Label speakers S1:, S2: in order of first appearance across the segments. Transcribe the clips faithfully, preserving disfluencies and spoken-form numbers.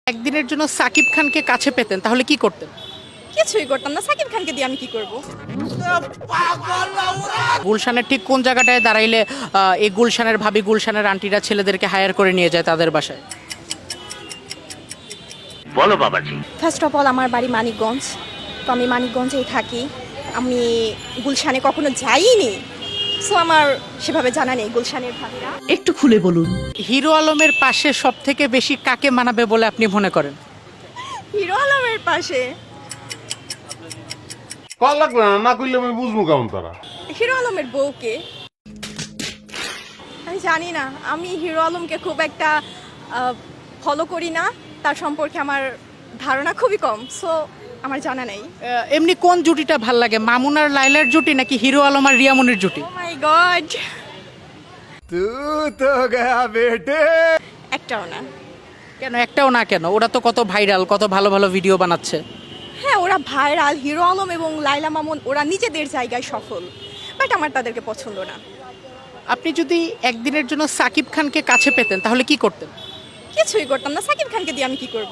S1: একদিনের জন্য সাকিব খানকে কাছে পেতেন তাহলে কি করতেন?
S2: কিছুই করতাম না। সাকিব খানকে দিয়ে আমি কি করব?
S1: গুলশানের ঠিক কোন জায়গাটায় দাঁড়াইলে আহ, এই গুলশানের ভাবি গুলশানের আন্টিরা ছেলেদেরকে হায়ার করে নিয়ে যায় তাদের বাসায়?
S3: বলো বাবাজি।
S2: ফার্স্ট অফ অল আমার বাড়ি মানিকগঞ্জ, তো আমি মানিকগঞ্জেই থাকি। আমি গুলশানে কখনো যাইনি, সো আমার সেভাবে জানা নেই গুলশানের ভাবিরা।
S4: একটু খুলে বলুন।
S1: হিরো আলমের পাশে সব থেকে বেশি কাকে মানাবে বলে আপনি মনে করেন?
S2: হিরো আলমের পাশে
S5: কল লাগবে না, না করলে আমি বুঝবো কেমন তারা।
S2: হিরো আলমের বউকে আমি জানি না। আমি হিরো আলমকে খুব একটা ফলো করি না, তার সম্পর্কে আমার ধারণা খুবই কম, সো আমার জানা নেই।
S1: আহ, এমনি কোন জুটিটা ভাল লাগে, মামুন আর লাইলার জুটি নাকি হিরো আলম আর রিয়ামনির জুটি?
S2: ও মাই গড,
S6: तू तो गया बेटे।
S2: একটাও না।
S1: কেন একটাও না কেন? ওরা তো কত ভাইরাল, কত ভালো ভালো ভিডিও বানাচ্ছে।
S2: হ্যাঁ, ওরা ভাইরাল। হিরো আলম এবং লাইলা মামুন ওরা নিজেদের জায়গায় সফল, বাট আমার তাদেরকে পছন্দ না।
S1: আপনি যদি একদিনের জন্য সাকিব খানকে কাছে পেতেন তাহলে কি করতেন?
S2: কিছুই করতাম না। সাকিব খানকে দিয়ে আমি কি করব?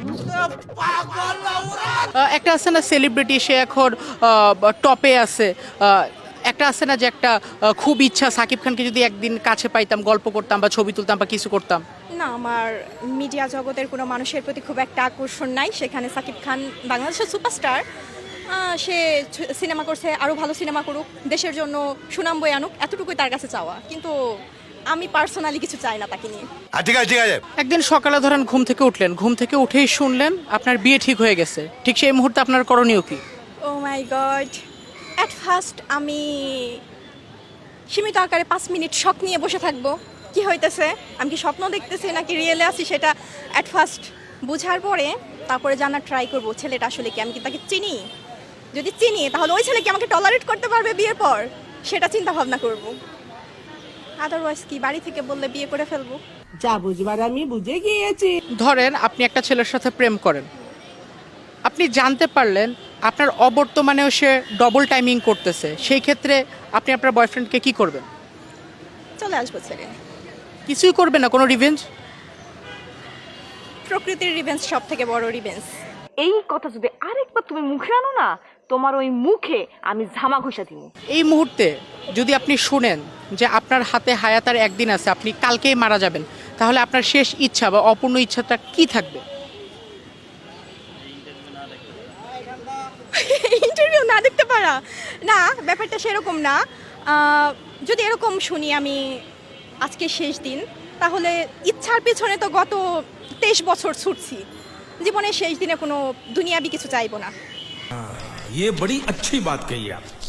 S1: আহ, একটা আছে না সেলিব্রিটি, সে এখন টপে আছে, আহ, একটা আছে না যে একটা আহ, খুব ইচ্ছা সাকিব খানকে যদি একদিন কাছে পাইতাম, গল্প করতাম বা ছবি তুলতাম বা কিছু করতাম।
S2: না, আমার মিডিয়া জগতের কোনো মানুষের প্রতি খুব একটা আকর্ষণ নাই। সেখানে সাকিব খান বাংলাদেশের সুপারস্টার, সে সিনেমা করছে, আরও ভালো সিনেমা করুক, দেশের জন্য সুনাম বয়ে আনুক, এতটুকুই তার কাছে চাওয়া। কিন্তু আমি পার্সোনালি কিছু চাই না তাকে নিয়ে।
S6: ঠিক আছে ঠিক আছে।
S1: একদিন সকালে ধরেন ঘুম থেকে উঠলেন, ঘুম থেকে উঠেই শুনলেন আপনার বিয়ে ঠিক হয়ে গেছে, ঠিক সেই মুহূর্তে আপনার করণীয় কি?
S2: Oh my god, at first আমি সীমিত আকারে পাঁচ মিনিট শখ নিয়ে বসে থাকবো, কি হইতেছে, আমি কি স্বপ্ন দেখতেছি নাকি রিয়েলে আছি, সেটা অ্যাট ফার্স্ট বুঝার পরে তারপরে জানার ট্রাই করবো ছেলেটা আসলে কি, আমি কি তাকে চিনি। যদি চিনি তাহলে ওই ছেলে কি আমাকে টলারেট করতে পারবে বিয়ের পর, সেটা চিন্তা ভাবনা করব। আদারওয়াইজ কি বাড়ি থেকে বললে বিয়ে করে ফেলবো।
S4: যা বুঝবার আমি বুঝে গিয়েছি।
S1: ধরেন আপনি একটা ছেলের সাথে প্রেম করেন, আপনি জানতে পারলেন আপনার অবর্তমানেও সে ডবল টাইমিং করতেছে, সেই ক্ষেত্রে আপনি আপনার বয়ফ্রেন্ডকে কি করবেন?
S2: চলে আসবো ছেড়ে।
S1: কিছুই করবেন না, কোনো রিভেঞ্জ?
S2: প্রকৃতির রিভেন্স সব থেকে বড় রিভেন্স।
S7: এই কথা যদি আরেকবার তুমি মুখে আনো না, তোমার ওই মুখে আমি ঝামা ঘষা দিব।
S1: এই মুহূর্তে যদি আপনি শুনেন যে আপনার হাতে হায়াতার একদিন আছে, আপনি কালকেই মারা যাবেন, তাহলে আপনার শেষ ইচ্ছা বা অপূর্ণ ইচ্ছাটা কি থাকবে?
S2: ইন্টারভিউ না দেখতে পারা? না, ব্যাপারটা সেরকম না। আহ, যদি এরকম শুনি আমি আজকে শেষ দিন, তাহলে ইচ্ছার পেছনে তো গত তেইশ বছর ছুটছি, জীবনের শেষ দিনে কোনো দুনিয়াবি কিছু চাইবো না।
S8: ये बड़ी अच्छी बात कही आप।